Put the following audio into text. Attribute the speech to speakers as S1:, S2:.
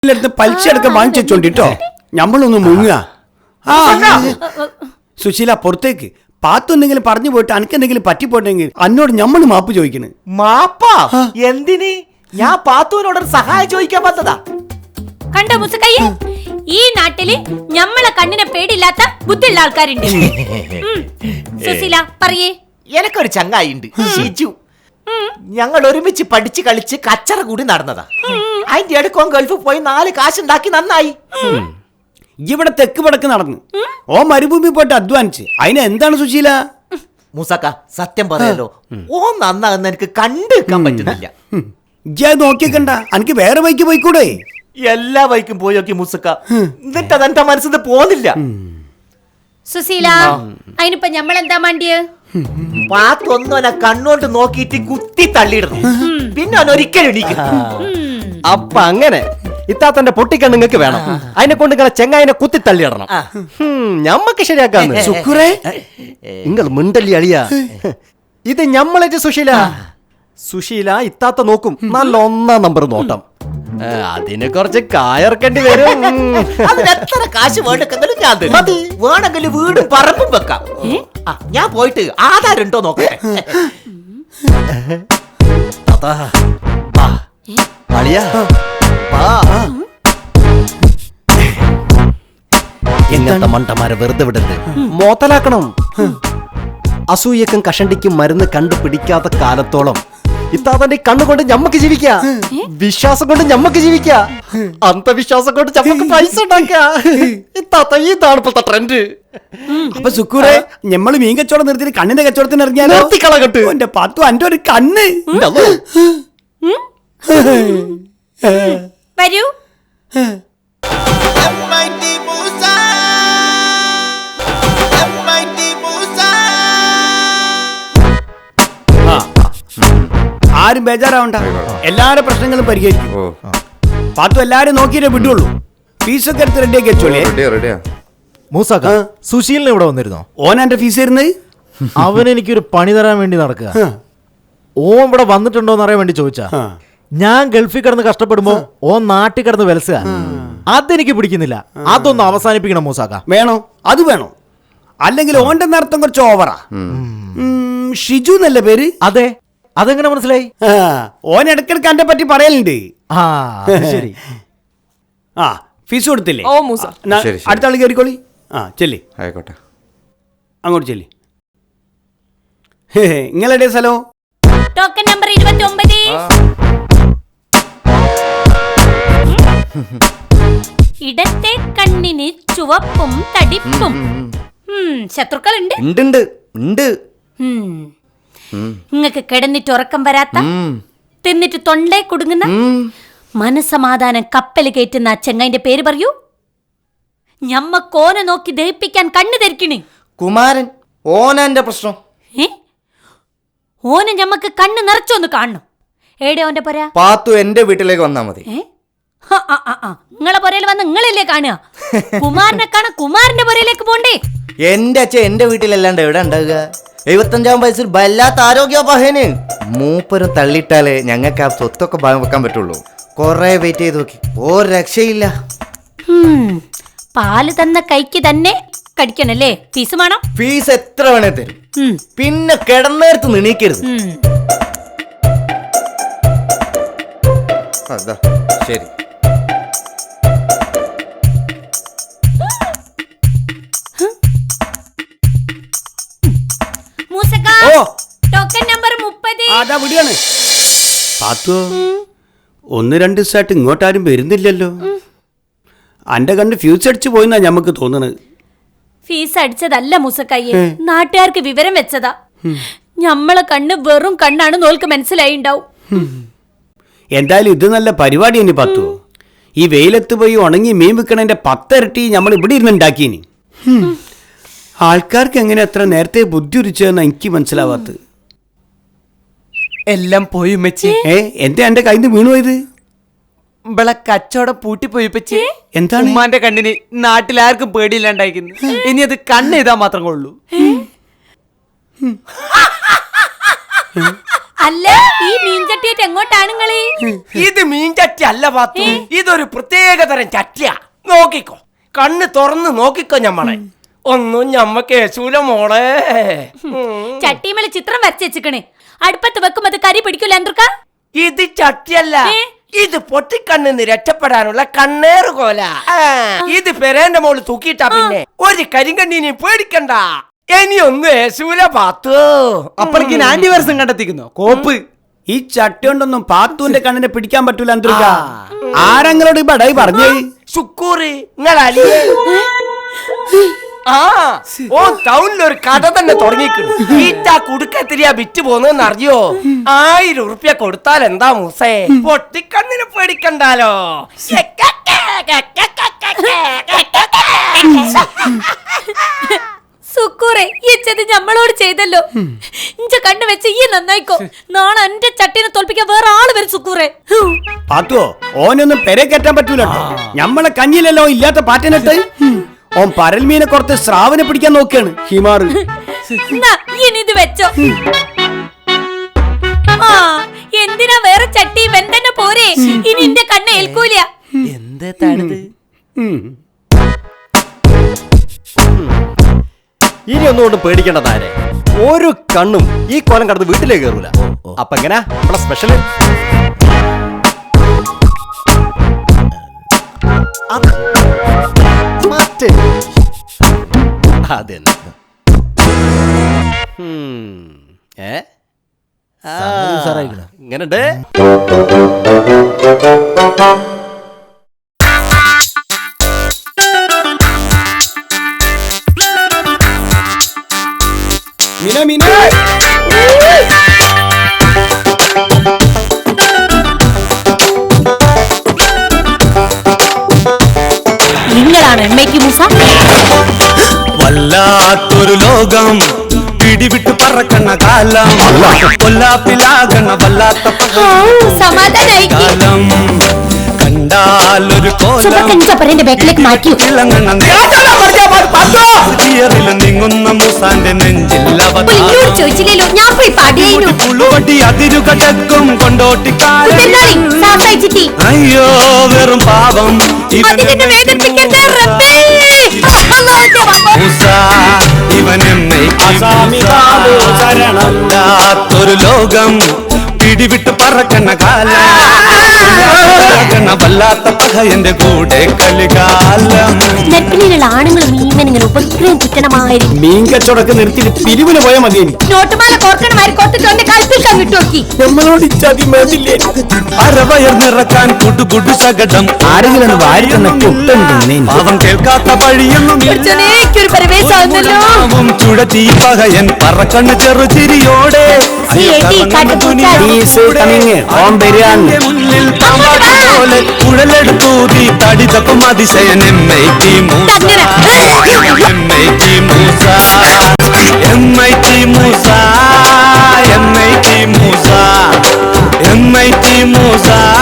S1: സുശീലിന്റെ അടുത്ത് പലിശ അടക്കം വാങ്ങിച്ചോണ്ടിട്ടോ ഞമ്മളൊന്ന് മുങ്ങുക. സുശീല പുറത്തേക്ക് പാത്തു എന്തെങ്കിലും പറഞ്ഞു പോയിട്ട് അനക്കെന്തെങ്കിലും പറ്റിപ്പോട്ടെങ്കിൽ അന്നോട് ഞമ്മള് മാപ്പ് ചോദിക്കണ്.
S2: മാപ്പാ എന്തിന്? ഞാൻ പാത്തുവിനോട് സഹായം ചോദിക്കാൻ വന്നതാ.
S3: കണ്ടോ മുസക്കയ്യ, ഈ നാട്ടില് ഞമ്മളെ കണ്ണിനെ പേടിയില്ലാത്ത ബുദ്ധിയുള്ള ആൾക്കാരുണ്ട്. സുശീല പറയേ.
S2: എനക്കൊരു ചങ്ങായിണ്ട്, ഷിജു. ഞങ്ങൾ ഒരുമിച്ച് പഠിച്ച് കളിച്ച് കച്ചറ കൂടി നടന്നതാ. അതിന്റെ അടുക്കോ ഗൾഫിൽ പോയി 4 കാശുണ്ടാക്കി നന്നായി.
S1: ഇവിടെ തെക്ക് വടക്ക് നടന്നു ഓ മരുഭൂമി പോയിട്ട് അധ്വാനിച്ച് അതിന് എന്താണ് സുശീല?
S2: മൂസക്ക സത്യം പറയാലോ, ഓ നന്നാകുന്ന എനിക്ക് കണ്ടുവെക്കാൻ പറ്റുന്നില്ല.
S1: ഇജ്ജ് നോക്കിയേക്കണ്ട, എനിക്ക് വേറെ വഴിക്ക് പോയിക്കൂടെ?
S2: എല്ലാ വഴിക്കും പോയോക്കി മൂസക്ക, എന്നിട്ട് അതെന്റെ മനസ്സിൽ പോന്നില്ല.
S3: സുശീല അതിനിപ്പോ ഞമ്മളെന്താ മാണ്ടിയേ?
S2: പാത്തൊന്നോനെ കണ്ണോണ്ട് നോക്കിയിട്ട് കുത്തി തള്ളിയിടുന്നു, പിന്നെ അവൻ ഒരിക്കലും എണീക്കും.
S4: അപ്പൊ അങ്ങനെ ഇത്താത്തന്റെ പൊട്ടിക്കണ്ണ് നിങ്ങൾക്ക് വേണം, അതിനെ കൊണ്ട് ഇങ്ങനെ ചെങ്ങായിനെ കുത്തി തള്ളിയിടണം. ഞമ്മക്ക് ശരിയാക്കാന്ന്
S1: സുഖറേ
S4: നിങ്ങൾ മിണ്ടല്ലി അളിയാ. ഇത് ഞമ്മളേറ്റ് സുശീല. സുശീല ഇത്താത്ത നോക്കും, നല്ല 1-ാം നമ്പർ നോട്ടം. അതിന് കുറച്ച് കായർക്കേണ്ടി വരും.
S2: അതിന് എത്ര കാശ് വേണ്ടെങ്കിലും ഞാൻ തരും. വേണമെങ്കിൽ വീടും പറമ്പും വെക്കാം. ഞാൻ പോയിട്ട് ആധാരം ഉണ്ടോ നോക്കട്ടെ.
S4: അളിയാ എങ്ങനത്തെ മണ്ടന്മാരെ വെറുതെ വിടരുത്, മോത്തലാക്കണം. അസൂയക്കും കഷണ്ടിക്കും മരുന്ന് കണ്ടുപിടിക്കാത്ത കാലത്തോളം ഇത്താത്തന്റെ കണ്ണുകൊണ്ട് ഞമ്മക്ക് ജീവിക്കാം, വിശ്വാസം കൊണ്ട് ഞമ്മക്ക് ജീവിക്കാം, അന്ധവിശ്വാസം കൊണ്ട് ഞമ്മക്ക് പൈസ ഉണ്ടാക്കാം. ഇത്താത്ത ഇതാണ് ഇപ്പോഴത്തെ ട്രെൻഡ്.
S1: അപ്പൊ സുക്കൂറെ ഞമ്മള് മീൻ കച്ചവടം നിർത്തി കണ്ണിന്റെ കച്ചവടത്തിന് ഇറങ്ങിയാലോ?
S4: നിർത്തിക്കളകട്ട്
S1: എന്റെ പത്തു അന്റെ ഒരു കണ്ണ്
S3: വരൂ. ആരും ബേജാറാവണ്ട, എല്ലാരുടെ പ്രശ്നങ്ങളും പരിഹരിക്കും. പാത്തു എല്ലാരും നോക്കിയിട്ടേ വിടുള്ളൂ. ഫീസൊക്കെ എടുത്ത് റെഡിയാക്കി വെച്ചോളേ.
S5: മൂസാക്ക സുശീലിന് ഇവിടെ വന്നിരുന്നോ?
S1: ഓൻ എന്റെ ഫീസ് തരുന്നത്
S5: അവൻ എനിക്കൊരു പണി തരാൻ വേണ്ടി നടക്കുക. ഓൻ ഇവിടെ വന്നിട്ടുണ്ടോന്ന് അറിയാൻ വേണ്ടി ചോദിച്ചാ. ഞാൻ ഗൾഫിൽ കിടന്ന് കഷ്ടപ്പെടുമ്പോ ഓൻ നാട്ടിൽ കിടന്ന് വിലസുക, അതെനിക്ക് പിടിക്കുന്നില്ല. അതൊന്നും അവസാനിപ്പിക്കണം മൂസാക്ക.
S1: വേണോ? അത് വേണോ? അല്ലെങ്കിൽ ഓന്റെ നടത്തം കുറച്ച് ഓവറാ. ഷിജു എന്നല്ലേ പേര്?
S5: അതെ, അതെങ്ങനെ മനസ്സിലായി?
S1: ഓൻ ഇടക്കിടക്ക് എന്നെ പറ്റി പറയലുണ്ട്.
S5: ആ ശരി.
S1: ആ ഫീസ് കൊടുത്തില്ലേ?
S6: ഓ മൂസ,
S1: അടുത്ത ആൾ കയറിക്കോളി. ആ ചെല്ലി,
S7: ആയിക്കോട്ടെ.
S1: അങ്ങോട്ട് ചെല്ലി. നിങ്ങളുടെ സ്ഥലോ?
S3: Token number 29. ഇടത്തെ കണ്ണിന് ചുവപ്പും തടിപ്പും. ശത്രുക്കളുണ്ട്?
S4: ഉണ്ട്.
S3: നിങ്ങക്ക് കിടന്നിട്ട് ഉറക്കം വരാത്ത, തിന്നിട്ട് തൊണ്ടേ കുടുങ്ങുന്ന, മനസമാധാനം കപ്പല് കയറ്റുന്ന ചെങ്ങൈന്റെ പേര് പറയൂ. ഞമ്മക്കോനെ നോക്കി ദഹിപ്പിക്കാൻ കണ്ണു ധരിക്കണേ.
S4: കുമാരൻ ഓനെന്റെ പ്രശ്നം.
S3: ഓനെ ഞമ്മക്ക് കണ്ണ് നിറച്ചൊന്ന് കാണണം. ഏടെ ഓന്റെ പോരാ?
S4: പാത്തു എന്റെ വീട്ടിലേക്ക് വന്നാ മതി.
S3: നിങ്ങളെ പുരയിൽ വന്ന് നിങ്ങളല്ലേ കാണുക? കുമാരനെ കാണാൻ കുമാരന്റെ പുരയിലേക്ക് പോണ്ടേ?
S4: എന്റെ അച്ഛൻ എന്റെ വീട്ടിലല്ലാണ്ട് എവിടെ ഉണ്ടാവുക? 75-ാം വയസ്സിൽ വല്ലാത്ത ആരോഗ്യപാഹന്. മൂപ്പരും തള്ളിയിട്ടാലേ ഞങ്ങൾക്ക് ആ സ്വത്തൊക്കെ ഭാഗം വെക്കാൻ പറ്റുള്ളൂ. കൊറേ വെയിറ്റ് ചെയ്ത് നോക്കി, ഒരു രക്ഷയില്ല.
S3: പാല് തന്ന കൈക്ക് തന്നെ കടിക്കണല്ലേ? ഫീസ് വേണം?
S4: ഫീസ് എത്ര വേണേ തരും, പിന്നെ കിടന്നേരത്ത് നിണീക്കരുത്. അതാ ശരി.
S3: Token number 30.
S1: അതാ വിടിയാണ്. പാത്തു 1-2 ദിവസമായിട്ട് ഇങ്ങോട്ടാരും വരുന്നില്ലല്ലോ. അന്റെ കണ്ട് ഫ്യൂസ് അടിച്ചു പോയിന്നാ ഞമ്മക്ക് തോന്നണത്.
S3: ഫീസ് അടിച്ചതല്ല മൂസക്കയ്യെ, നാട്ടുകാർക്ക് വിവരം വെച്ചതാ. ഞമ്മളെ കണ്ണ് വെറും കണ്ണാണ് നോൽക്ക് മനസ്സിലായിണ്ടാവും.
S1: എന്തായാലും ഇത് നല്ല പരിപാടി ഇനി പത്തു. ഈ വെയിലത്ത് പോയി ഉണങ്ങി മീൻ വിൽക്കണതിന്റെ 10 ഇരട്ടി നമ്മൾ ഇവിടെ ഇരുന്ന് ഉണ്ടാക്കിനി. ആൾക്കാർക്ക് എങ്ങനെ എത്ര നേരത്തെ ബുദ്ധി ഉരിച്ചതെന്ന് എനിക്ക് മനസ്സിലാവാത്തത്.
S2: എല്ലാം പോയി മെച്ചി.
S1: എന്താ എന്റെ കയ്യിൽ നിന്ന് വീണു പോയത്?
S2: ഇവളെ കച്ചവടം പൂട്ടിപ്പോയി പറ്റി.
S1: എന്താണ്?
S2: ഉമ്മാന്റെ കണ്ണിന് നാട്ടിലാർക്കും പേടിയില്ലാണ്ടായിരിക്കുന്നു. ഇനി അത് കണ്ണ് ചെയ്താൽ മാത്രം കൊള്ളൂ.
S6: അല്ല ഈ മീൻചട്ടിയായിട്ട് എങ്ങോട്ടാണ് നിങ്ങള്?
S7: ഇത് മീൻ ചട്ടി അല്ല പാത്തു, ഇതൊരു പ്രത്യേകതരം ചട്ടിയാ. നോക്കിക്കോ, കണ്ണ് തുറന്ന് നോക്കിക്കോ ഞമ്മളെ. ഒന്നും ഞമ്മ കേസൂല മോളെ.
S6: ചട്ടിമേലെ ചിത്രം വരച്ച് വെച്ചിക്കണേ. അടുപ്പത്ത് വെക്കുമ്പോ അത് കരി പിടിക്കൂല എന്തൊക്കെ?
S7: ഇത് ചട്ടിയല്ല, ഇത് പൊട്ടിക്കണ്ണിന്ന് രക്ഷപ്പെടാനുള്ള കണ്ണേറ് കോല. ഇത് പെരേന്റെ മോള് തൂക്കിയിട്ടാ പിന്നെ ഒരു കരിങ്കണ്ണിനെ പേടിക്കണ്ട. ഇനിയൊന്നും ഏസൂല പാത്തു.
S3: അപ്പഴേക്ക് ആന്റിവൈറസും കണ്ടെത്തിക്കുന്നു കോപ്പ്. ഈ ചട്ടി കൊണ്ടൊന്നും പാത്തുവിന്റെ കണ്ണിനെ പിടിക്കാൻ പറ്റൂല അന്തരിക്ക. ആരെങ്കിലോട് ഈ ബടായി പറഞ്ഞേ?
S7: ശുക്കൂറ് നിങ്ങളല്ലേ? ഓ ടൗണിലൊരു കട തന്നെ തുടങ്ങിക്കുന്നു. ഈറ്റാ കുടുക്കത്തിരിയാ വിറ്റ് പോന്നെന്ന് അറിയോ? 1000 ഉറുപ്യ കൊടുത്താൽ എന്താ മൂസേ? പൊട്ടിക്കണ്ണിന് പേടിക്കണ്ടാലോ.
S6: സുക്കൂറെ ഇച്ചത് ഞമ്മളോട് ചെയ്തല്ലോ. ഇഞ്ച കണ്ണ് വെച്ച് ഈ നന്നായിക്കോ. നാളെ എന്റെ ചട്ടീനെ തോൽപ്പിക്കാൻ വേറെ ആള് വരും സുക്കൂറെ.
S3: പാത്തുവോ ഓനൊന്നും പെരെ കയറ്റാൻ പറ്റൂല. ഞമ്മളെ കഞ്ഞിലല്ലോ ഇല്ലാത്ത പാറ്റനിട്ട് ഓൻ പരൽമീനെ കുറച്ച് സ്രാവിനെ പിടിക്കാൻ നോക്കിയാണ് ഹിമാറ്.
S6: ഇനി ഇത് വെച്ചോ. ആ എന്തിനാ വേറെ ചട്ടി വെന്തന്നെ പോരെ. ഇനി എന്റെ കണ്ണ് ഏൽക്കൂല.
S7: എന്താണിത്?
S4: ഇനി ഒന്നുകൊണ്ട് പേടിക്കേണ്ടതാരെ. ഒരു കണ്ണും ഈ കോലം കടന്ന് വീട്ടിലേക്ക് കയറൂല. അപ്പൊ എങ്ങനാ നമ്മളെ സ്പെഷ്യല്? അതെന്നെ. ഇങ്ങനുണ്ട്.
S3: മിന മിന
S6: നിങ്ങളാണ് എമ്മയ്ക്ക് മൂസ.
S8: വല്ലാത്തൊരു ലോകം പിടിവിട്ട് പറക്കണ കാലം, കൊല്ലാപ്പിലാകണ വല്ലാത്ത
S6: സമാധാനായി
S8: കാലം കണ്ടാലൊരു കോലം
S6: ബാക്കിലേക്ക് മാറ്റി.
S8: നീങ്ങുന്ന മൂസാന്റെ നെഞ്ചിൽ
S6: ചോദിച്ചില്ലല്ലോ ഞാൻ പോയി പാടിയായിരുന്നു.
S8: പുളുവടി അതിരുകടക്കും കൊണ്ടോട്ടിക്കാരൻ. അയ്യോ വെറും പാവം ഇവനെന്നൊരു ലോകം പിടിവിട്ട് പറക്കണ കാലം, വല്ലാത്ത പകയന്റെ കൂടെ കളികാലം.
S6: നെറ്റിലുള്ള ആണുങ്ങളും മീമനിങ്ങനെ ഉപഗ്രഹം ചുറ്റണമായിരുന്നു.
S3: മീൻ കച്ചവടമൊക്കെ നിർത്തിയിട്ട് പിരിവിന് പോയാൽ മതി.
S6: നോട്ടുമാല കോർക്കണമാരി കോർത്തിട്ട് കൽപ്പിക്കാൻ വിട്ടുനോക്കി.
S3: നമ്മളോട് ഇച്ചാതി മേടില്ലേ?
S8: അരവയർ നിറക്കാൻ കുടുകുടു സകടം
S3: ആരെങ്കിലും വാരി തന്നെ കുട്ടുണ്ടേ.
S8: പാവം കേൾക്കാത്ത വഴിയൊന്നും ചുഴറ്റി പകയൻ പറക്കണ്ണ് ചെറുചിരിയോടെ മുന്നിൽ പോലെ കുഴലെടുത്തൂതി തടിതപ്പം Athisayan MIT Musa, MIT Musa, MIT Musa, MIT Musa, MIT Musa.